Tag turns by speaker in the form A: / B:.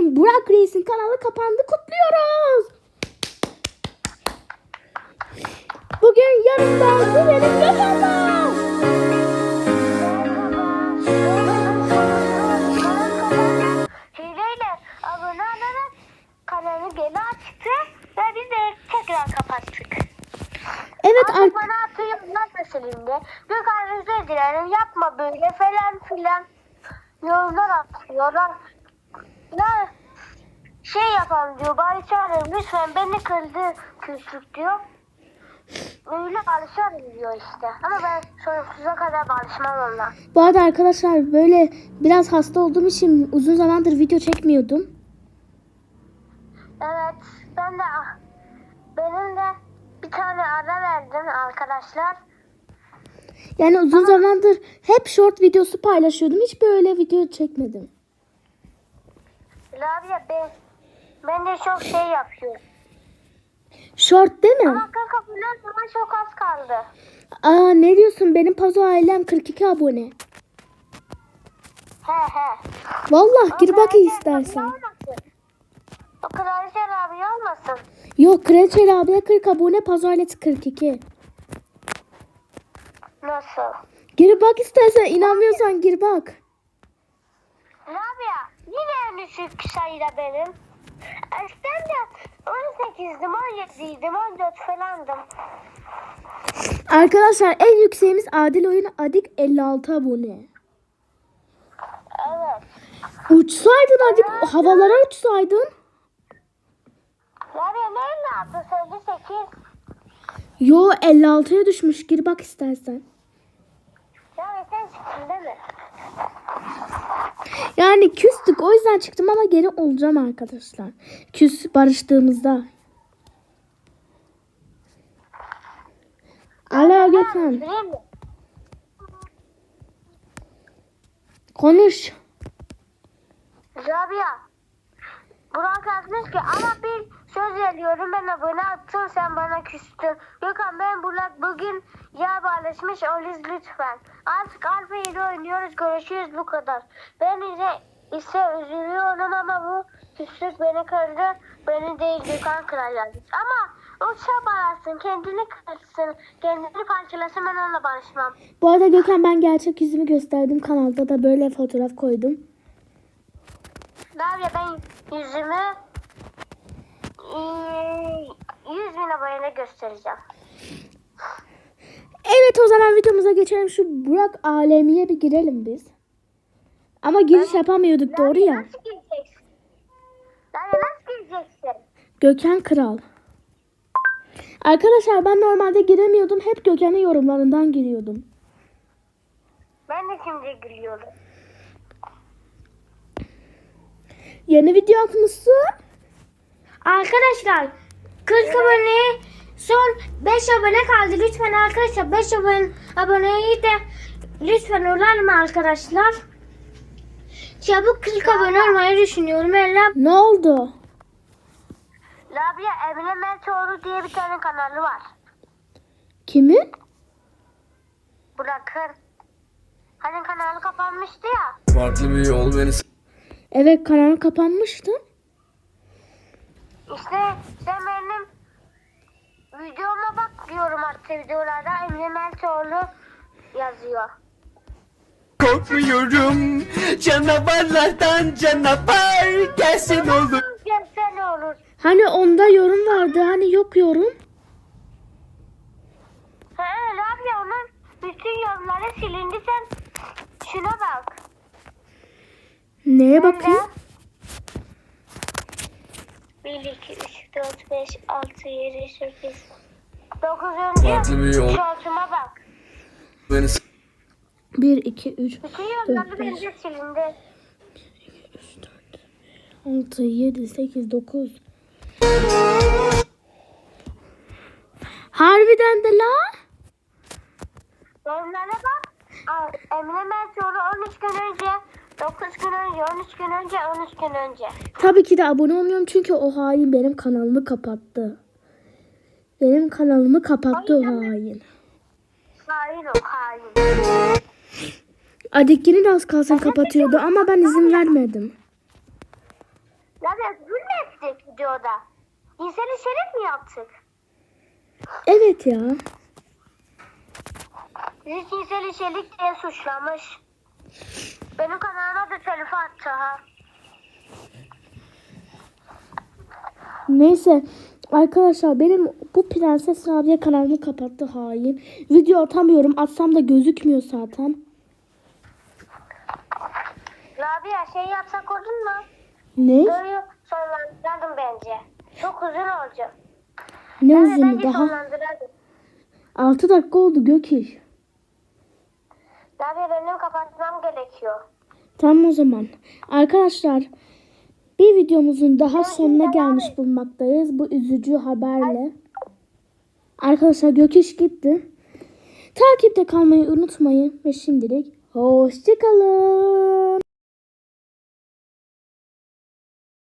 A: Bugün Burak Reis'in kanalı kapandı, kutluyoruz. Bugün yanımda benim Gökhan'la.
B: Hileyle abone olarak kanalı geri açtı ve biz de tekrar kapattık.
A: Evet
B: Artık bana atıyorlar meselinde. Gökhan özür dilerim, yapma böyle falan filan yorumlar atıyorlar. Ya şey yapalım diyor, bari çağırın lütfen, beni kırdı küçük diyor. Öyle barışalım diyor işte. Ama ben sonsuza kadar barışmam onunla.
A: Bu arada arkadaşlar böyle biraz hasta olduğum için uzun zamandır video çekmiyordum.
B: Evet, benim de bir tane ara verdim arkadaşlar.
A: Yani uzun zamandır hep short videosu paylaşıyordum. Hiç böyle video çekmedim.
B: Rabia ben de çok şey yapıyorum.
A: Short değil mi?
B: Ama kanka bundan sonra çok az kaldı.
A: Aa, ne diyorsun? Benim Pazo ailem 42 abone.
B: He.
A: Vallahi gir bak
B: Kraliçe
A: istersen.
B: Rabia olmasın. O Kraliçe Rabia olmasın.
A: Yok, Kraliçe abla 40 abone, Pazo ailesi 42.
B: Nasıl?
A: Gir bak istersen, inanmıyorsan gir bak.
B: Rabia yine en düşük sayıda benim. Eskiden de 18'dim, 17'ydim, 14 falandım.
A: Arkadaşlar en yükseğimiz Adil Oyun Adik 56 abone.
B: Evet.
A: Uçsaydın Adik, havalara uçsaydın.
B: Rabia ne yaptı? 58.
A: Yo, 56'ya düşmüş, gir bak istersen.
B: Ya sen çıktın değil mi?
A: Yani küstük, o yüzden çıktım ama geri olacağım arkadaşlar. Küs barıştığımızda. Alo Gökhan,
B: Bileyim mi?
A: konuş.
B: Rabia. Burak yazmış ki ama bir söz veriyorum, ben abone attım, sen bana küstün. Gökhan ben Burak bugün yer paylaşmış Oliz lütfen. Artık Alfa ile oynuyoruz, görüşürüz, bu kadar. Ben ise üzülüyorum ama bu küslük beni kırdı. Beni değil Gökhan kırar yazmış. Ama o çabalasın, kendini kırsın, kendini parçalasın, ben onunla barışmam.
A: Bu arada Gökhan, ben gerçek yüzümü gösterdim, kanalda da böyle fotoğraf koydum.
B: Rabia ben yüzümü 100.000 abone göstereceğim.
A: Evet, o zaman videomuza geçelim. Şu Burak alemiye bir girelim biz. Ama giriş yapamıyorduk, doğru ya.
B: Nasıl gireceksin? Nasıl gireceksin?
A: Gökhan Kral. Arkadaşlar ben normalde giremiyordum. Hep Gökhan'ın yorumlarından giriyordum.
B: Ben de şimdi gülüyorum.
A: Yeni video atmışsın.
B: Arkadaşlar 40 abone, son 5 abone kaldı. Lütfen arkadaşlar 5 aboneyi de lütfen olalım arkadaşlar. Çabuk 40 abone olmayı düşünüyorum.
A: Ne oldu?
B: Rabia Emine Meltoğlu diye bir tane kanalı var.
A: Kimin?
B: Bırakın. Hani kanalı kapanmıştı ya.
C: Farklı bir yol beni
A: Evet, kanal kapanmıştı.
B: İşte sen benim videoma bak diyorum, artık videolarda Emine Meltoğlu yazıyor.
C: korkmuyorum. Canavarlardan canavar gelsin olur.
B: Gelse ne olur?
A: Hani onda yorum vardı, hani yok yorum.
B: Rabia onun bütün yorumları silindi, sen şuna bak.
A: Neye bakayım?
B: 1, 2, 3, 4, 5, 6, 7, 8, 9.
C: Farklı bir yol
B: şortuma bak.
C: beni
A: 1, 2, 3,
B: Bütün yorumları bence silindi.
A: 6, 7, 8, 9. Harbiden de la.
B: Yorumlara bak. Emine Meltoğlu 13 gün önce, 9 gün önce, 13 gün önce, 13 gün önce.
A: Tabii ki de abone olmuyorum çünkü o hain benim kanalımı kapattı. Benim kanalımı kapattı o hain.
B: Hain o hain.
A: Adikini de az kalsın kapatıyordu ama ben izin vermedim.
B: Rabia küfür mü ettik videoda? Cinsel içerik mi yaptık?
A: Evet ya.
B: Bizi cinsel içerik diye suçlamış. Benim kanalıma da telif attı ha.
A: Neyse arkadaşlar benim bu Prenses Rabia kanalımı kapattı hain. Video atamıyorum. Atsam da gözükmüyor zaten.
B: Rabia şey yapsak olur mu?
A: Ne?
B: Videoyu sonlandıralım bence. Çok uzun olacak.
A: Ne
B: Evet,
A: uzunu
B: bence
A: daha?
B: sonlandıralım.
A: 6 dakika oldu Gökiş.
B: Rabia benim kapatmam gerekiyor.
A: Tamam o zaman. Arkadaşlar bir videomuzun daha sonuna gelmiş bulunmaktayız. Bu üzücü haberle. Arkadaşlar Gökiş gitti. Takipte kalmayı unutmayın. Ve şimdilik hoşçakalın.